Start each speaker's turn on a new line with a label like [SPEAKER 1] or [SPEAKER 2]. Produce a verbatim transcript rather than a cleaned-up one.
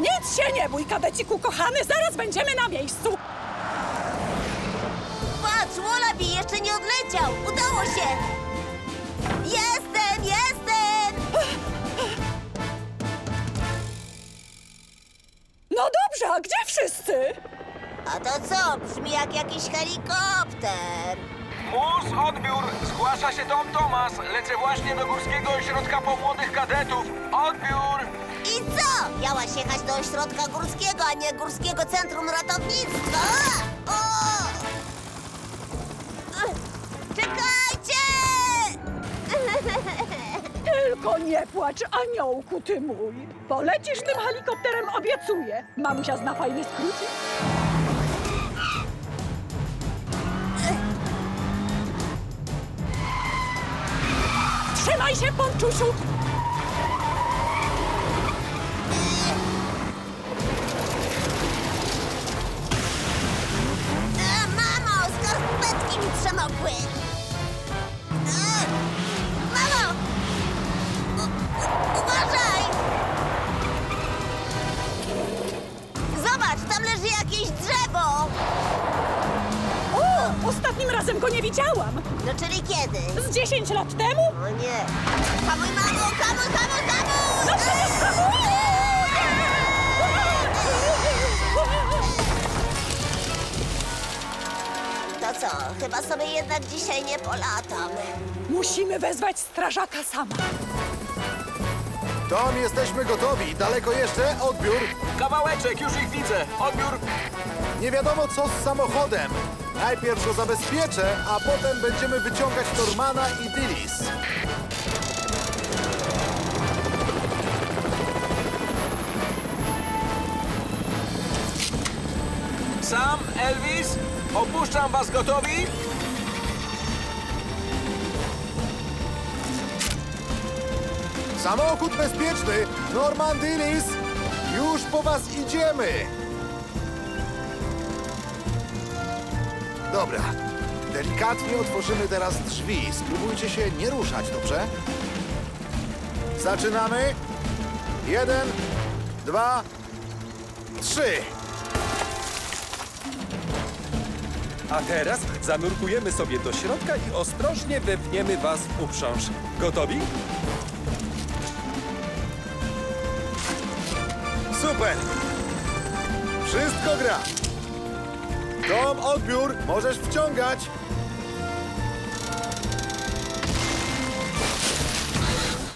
[SPEAKER 1] Nic się nie bój, kadeciku kochany, zaraz będziemy na miejscu.
[SPEAKER 2] Patrz, Wallaby jeszcze nie odleciał! Udało się! Jestem, jestem!
[SPEAKER 1] No dobrze, a gdzie wszyscy?
[SPEAKER 2] A to co? Brzmi jak jakiś helikopter.
[SPEAKER 3] Mus, odbiór! Zgłasza się Tom Thomas. Lecę właśnie do Górskiego Ośrodka po Młodych Kadetów. Odbiór!
[SPEAKER 2] I co? Miałaś jechać do ośrodka górskiego, a nie Górskiego Centrum Ratownictwa. O! Czekajcie!
[SPEAKER 1] Tylko nie płacz, aniołku ty mój. Polecisz tym helikopterem, obiecuję. Mamusia zna fajny skrócik. Trzymaj się, Ponczusiu!
[SPEAKER 2] E, mamo, skarpetki mi przemokły. E, mamo! U, u, uważaj! Zobacz, tam leży jakieś drzewo.
[SPEAKER 1] O, ostatnim razem go nie widziałam.
[SPEAKER 2] No czyli kiedy?
[SPEAKER 1] Z dziesięć lat temu?
[SPEAKER 2] O nie. Hamuj, mamo, hamuj, hamuj, hamuj!
[SPEAKER 1] No przecież hamuję!
[SPEAKER 2] To co, chyba sobie jednak dzisiaj nie polatam.
[SPEAKER 1] Musimy wezwać strażaka sama.
[SPEAKER 4] Tom, jesteśmy gotowi. Daleko jeszcze? Odbiór.
[SPEAKER 3] Kawałeczek, już ich widzę. Odbiór!
[SPEAKER 4] Nie wiadomo co z samochodem. Najpierw go zabezpieczę, a potem będziemy wyciągać Normana i Dillis.
[SPEAKER 3] Sam, Elvis, opuszczam was gotowi?
[SPEAKER 4] Samochód bezpieczny. Norman, Dillis, już po was idziemy. Dobra. Delikatnie otworzymy teraz drzwi. Spróbujcie się nie ruszać, dobrze? Zaczynamy. Jeden, dwa, trzy.
[SPEAKER 5] A teraz zanurkujemy sobie do środka i ostrożnie wepniemy was w uprząż. Gotowi?
[SPEAKER 4] Super! Wszystko gra. Tom, odbiór, możesz wciągać.